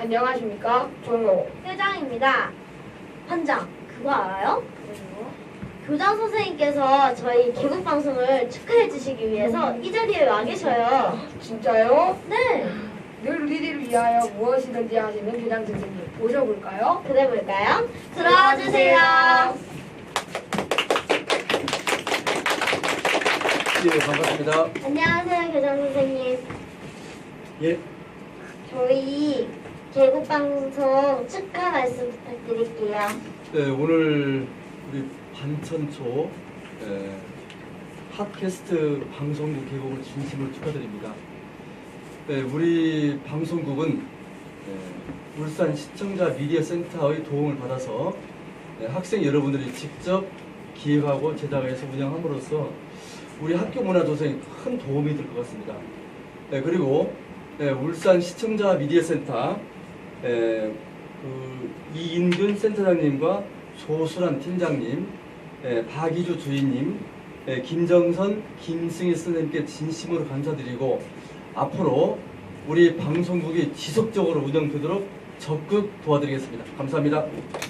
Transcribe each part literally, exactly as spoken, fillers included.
안녕하십니까, 종호 회장입니다. 환장, 그거 알아요? 교장 선생님께서 저희 개국 방송을 축하해 주시기 위해서 이 자리에 와 계셔요. 진짜요? 네, 늘 우리들을 위하여 무엇이든지 하시는 교장 선생님 모셔볼까요? 그래 볼까요? 들어와 주세요. 예, 반갑습니다. 안녕하세요, 교장 선생님. 예, 저희 개국 방송 축하 말씀 부탁드릴게요. 네, 오늘 우리 반천초 에, 팟캐스트 방송국 개국을 진심으로 축하드립니다. 네, 우리 방송국은 에, 울산 시청자 미디어 센터의 도움을 받아서 에, 학생 여러분들이 직접 기획하고 제작해서 운영함으로써 우리 학교 문화 조성에 큰 도움이 될 것 같습니다. 네, 그리고 에, 울산 시청자 미디어 센터 에, 그 이인균 센터장님과 조수란 팀장님, 에, 박이주 주인님, 에, 김정선, 김승희 선생님께 진심으로 감사드리고 앞으로 우리 방송국이 지속적으로 운영되도록 적극 도와드리겠습니다. 감사합니다.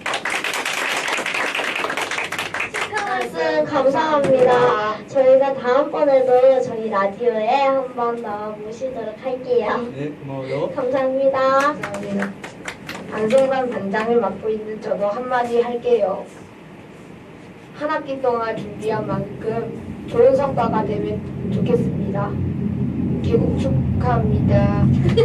축하 말씀 감사합니다. 저희가 다음번에도 저희 라디오에 한 번 더 모시도록 할게요. 네, 고마워요. 감사합니다. 감사합니다. 반송반 반장을 맡고 있는 저도 한마디 할게요. 한 학기 동안 준비한 만큼 좋은 성과가 되면 좋겠습니다. 개국 축하합니다.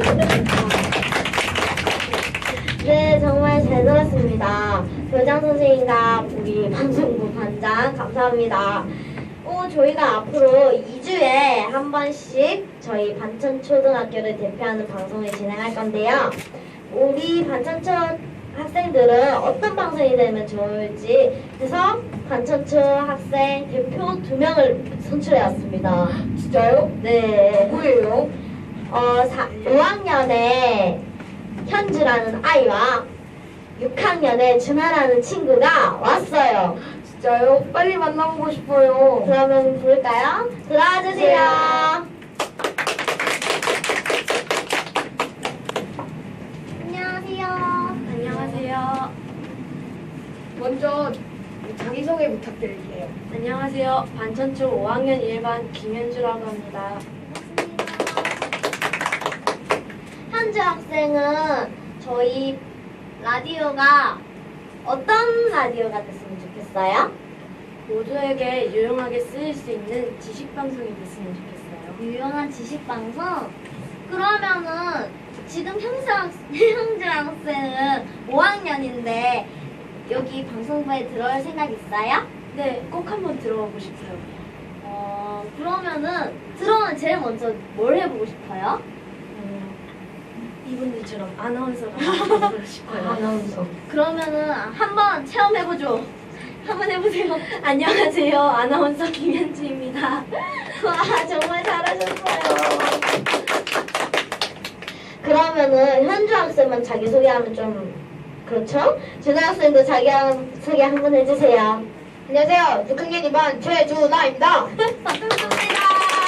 네, 정말 잘 들었습니다. 교장 선생님과 우리 방송부 반장 감사합니다. 어, 저희가 앞으로 이 주에 한 번씩 저희 반천초등학교를 대표하는 방송을 진행할 건데요. 우리 반천초 학생들은 어떤 방송이 되면 좋을지 해서 반천초 학생 대표 두 명을 선출해왔습니다. 진짜요? 네. 누구예요? 어, 오 학년에 현주라는 아이와 육 학년에 준하라는 친구가 왔어요. 진짜요? 빨리 만나보고 싶어요. 그러면 부를까요? 들어와 주세요. 안녕하세요. 안녕하세요. 먼저 자기소개 부탁드릴게요. 안녕하세요. 반천초 오 학년 일 반 김현주라고 합니다. 현주 학생은 저희 라디오가 어떤 라디오가 됐으면 좋겠어요? 모두에게 유용하게 쓰일 수 있는 지식 방송이 됐으면 좋겠어요. 유용한 지식 방송? 그러면은 지금 현주 학생, 현주 학생은 오 학년인데 여기 방송부에 들어올 생각 있어요? 네, 꼭 한번 들어보고 싶어요. 어, 그러면은 들어오면 제일 먼저 뭘 해보고 싶어요? 음, 이분들처럼 아나운서가 되고 싶어요. 아나운서. 그러면은 한번 체험해보죠. 한번 해보세요. 안녕하세요. 아나운서 김현주입니다. 와, 정말 잘하셨어요. 그러면은 현주 학생만 자기소개하면 좀 그렇죠? 준하 학생도 자기소개 한번 해주세요. 안녕하세요. 육 학년 이 반 최준하입니다. 반갑습니다.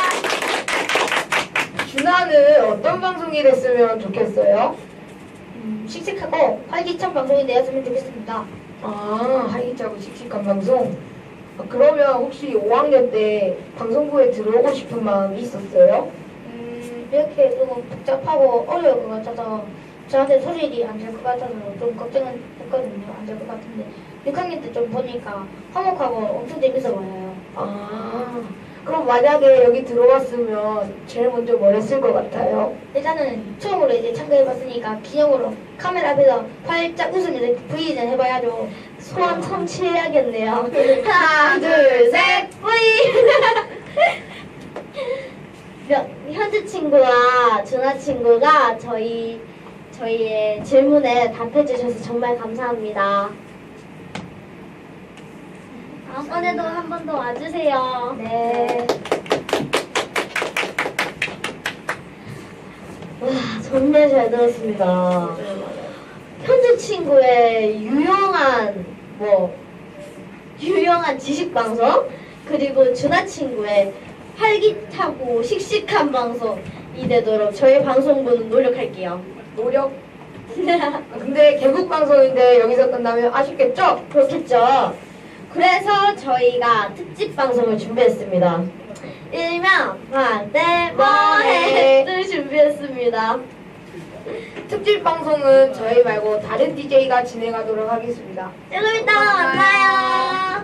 준하는 어떤 방송이 됐으면 좋겠어요? 음, 씩씩하고 활기찬 방송이 되었으면 좋겠습니다. 아, 활기차고 씩씩한 방송? 아, 그러면 혹시 오 학년 때 방송부에 들어오고 싶은 마음이 있었어요? 음, 이렇게 조금 복잡하고 어려울 것 같아서 저한테 소질이 안 될 것 같아서 좀 걱정은 했거든요. 안 될 것 같은데 육 학년 때 좀 보니까 화목하고 엄청 재밌어 보여요. 아, 그럼 만약에 여기 들어왔으면 제일 먼저 뭘 했을 것 같아요? 일단은 처음으로 이제 참가해봤으니까 기념으로 카메라 앞에서 활짝 웃으면서 브이는 해봐야죠. 소원 성취해야겠네요. 하나, 둘, 셋, 브이! 몇- 현주 친구와 준하 친구가 저희 저희의 질문에 답해주셔서 정말 감사합니다. 다음번에도 한 번 더 와주세요. 네. 와, 정말 잘 들었습니다. 현주 친구의 유용한 뭐 유용한 지식 방송 그리고 준하 친구의 활기차고 씩씩한 방송이 되도록 저희 방송부는 노력할게요. 노력 근데 개국 방송인데 여기서 끝나면 아쉽겠죠? 그렇겠죠. 그래서 저희가 특집 방송을 준비했습니다. 일명 방때 뭐해를 준비했습니다. 특집 방송은 저희 말고 다른 디제이가 진행하도록 하겠습니다. 조금 이따가 만나요.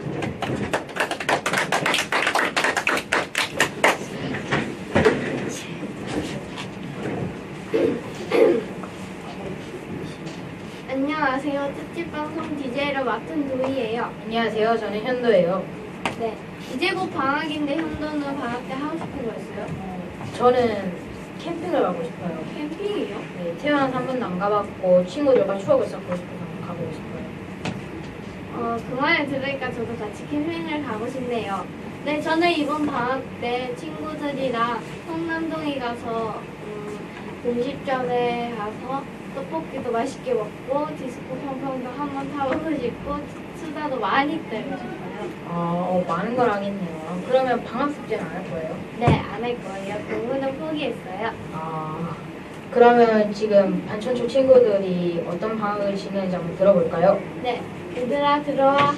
안녕하세요. 특집방송 디제이를 맡은 도희예요. 안녕하세요. 저는 현도예요. 네. 이제 곧 방학인데 현도는 방학 때 하고 싶은 거 있어요? 저는 캠핑을 가고 싶어요. 캠핑이요? 네, 태어나서 한 번도 안 가봤고 친구들과 추억을 쌓고 싶어서 가보고 싶어요. 어, 그 말을 들으니까 저도 같이 캠핑을 가고 싶네요. 네, 저는 이번 방학 때 친구들이랑 성남동에 가서 음, 음식점에 가서 떡볶이도 맛있게 먹고 디스코 팡팡도 한번 타보고 싶고 수다도 많이 떨고 싶어요. 아, 어, 많은 걸 하겠네요. 그러면 방학 숙제는 안 할 거예요? 네, 안 할 거예요. 공부는 포기했어요. 아, 그러면 지금 반천초 친구들이 어떤 방학을 지내는지 한번 들어볼까요? 네, 얘들아 들어와.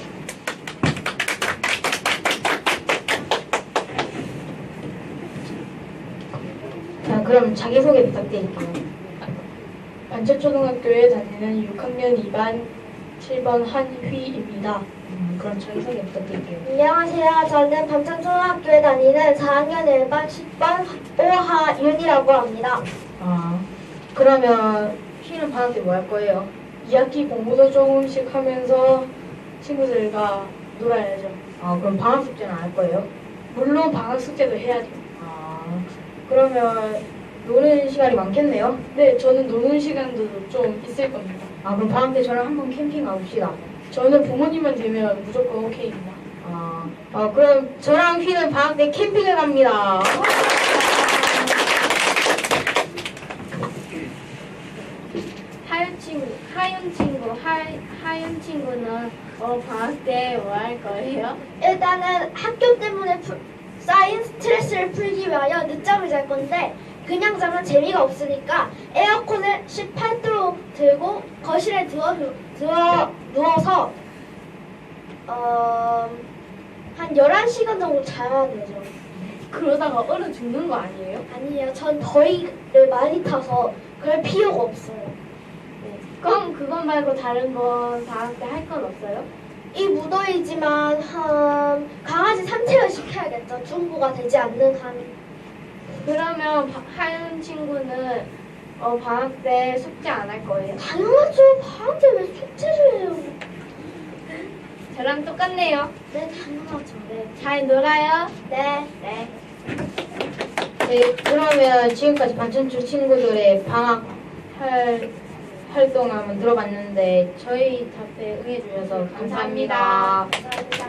자, 그럼 자기소개 부탁드릴게요. 반천초등학교에 다니는 육 학년 이 반 칠 번 한휘입니다. 음, 그럼 자기소개 부탁드릴게요. 안녕하세요. 저는 밤천초등학교에 다니는 사 학년 일 반 십 번 오하윤이라고 합니다. 아, 그러면 쉬는 방학 때 뭐 할 거예요? 이 학기 공부도 조금씩 하면서 친구들과 놀아야죠. 아, 그럼 방학 숙제는 안 할 거예요? 물론 방학 숙제도 해야죠. 아, 그러면 노는 시간이 많겠네요? 네, 저는 노는 시간도 좀 있을 겁니다. 아, 그럼 방학 때 저랑 한번 캠핑 가봅시다. 저는 부모님만 되면 무조건 오케이입니다. 아, 어, 그럼 저랑 휘는 방학 때 캠핑을 갑니다. 하윤 친구, 하윤 친구, 하, 하윤 친구는 어, 방학 때 뭐 할 거예요? 일단은 학교 때문에 풀- 쌓인 스트레스를 풀기 위하여 늦잠을 잘 건데 그냥 자면 재미가 없으니까 에어컨을 십팔 도로 들고 거실에 누워, 누워, 누워서 어, 한 열한 시간 정도 자야 되죠. 그러다가 얼어 죽는 거 아니에요? 아니에요. 전 더위를 많이 타서 그럴 필요가 없어요. 네. 그럼 그것 말고 다른 건 방학 때 할 건 없어요? 이 무더위지만 한 강아지 산책을 시켜야겠죠. 중고가 되지 않는 한. 그러면 바- 하윤 친구는 어, 방학 때 숙제 안 할 거예요? 당연하죠. 방학 때 왜 숙제를 해요? 저랑 똑같네요. 네, 당연하죠. 네, 잘 놀아요. 네. 네. 네, 그러면 지금까지 반천초 친구들의 방학 할 활동 한번 들어봤는데 저희 답에 응해주셔서 감사합니다. 감사합니다.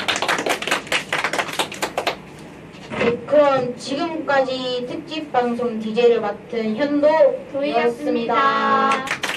네, 그럼 지금까지 특집 방송 디제이를 맡은 현도였습니다. 도희였습니다.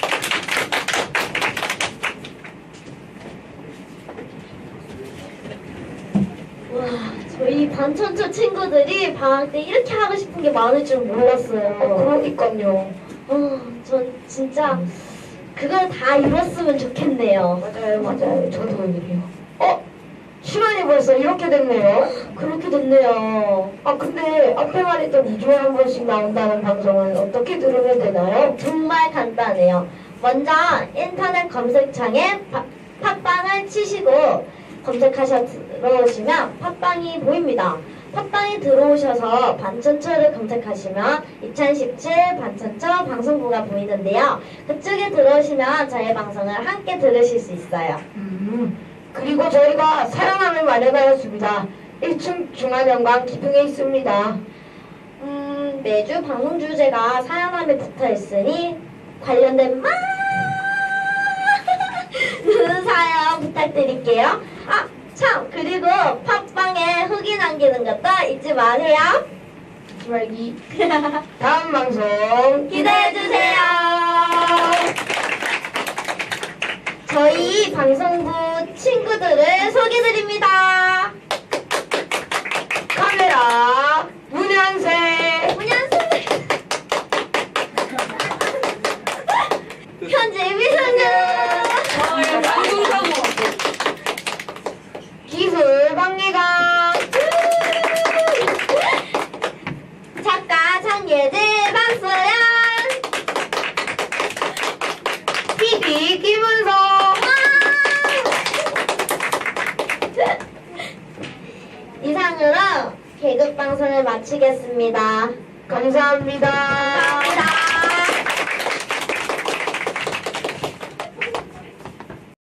와, 저희 반천초 친구들이 방학 때 이렇게 하고 싶은 게 많을 줄 몰랐어요. 어, 그러니까요. 어, 전 진짜 그걸 다 이뤘으면 좋겠네요. 맞아요, 맞아요. 저도 그래요. 어? 시간이 벌써 이렇게 됐네요. 그렇게 됐네요. 아, 근데 앞에 말했던 이 주에 한 번씩 나온다는 방송은 어떻게 들으면 되나요? 정말 간단해요. 먼저 인터넷 검색창에 파- 팟빵을 치시고 검색하셔 들어오시면 팟빵이 보입니다. 팟빵에 들어오셔서 반천초를 검색하시면 이천십칠 반천초 방송부가 보이는데요. 그쪽에 들어오시면 저희 방송을 함께 들으실 수 있어요. 음, 그리고 저희가 사랑함을 마련하였습니다. 일 층 중앙연관 기둥에 있습니다. 음, 매주 방송 주제가 사연함에 붙어 있으니 관련된 많은 사연 부탁드릴게요. 아, 참, 그리고 팟빵에 후기 남기는 것도 잊지 마세요. 잊지 말기. 다음 방송 기대해주세요. 저희 방송부 친구들을 소개드립니다. 카메라 문양세 문현수, 네, 개그 방송을 마치겠습니다. 감사합니다. 감사합니다.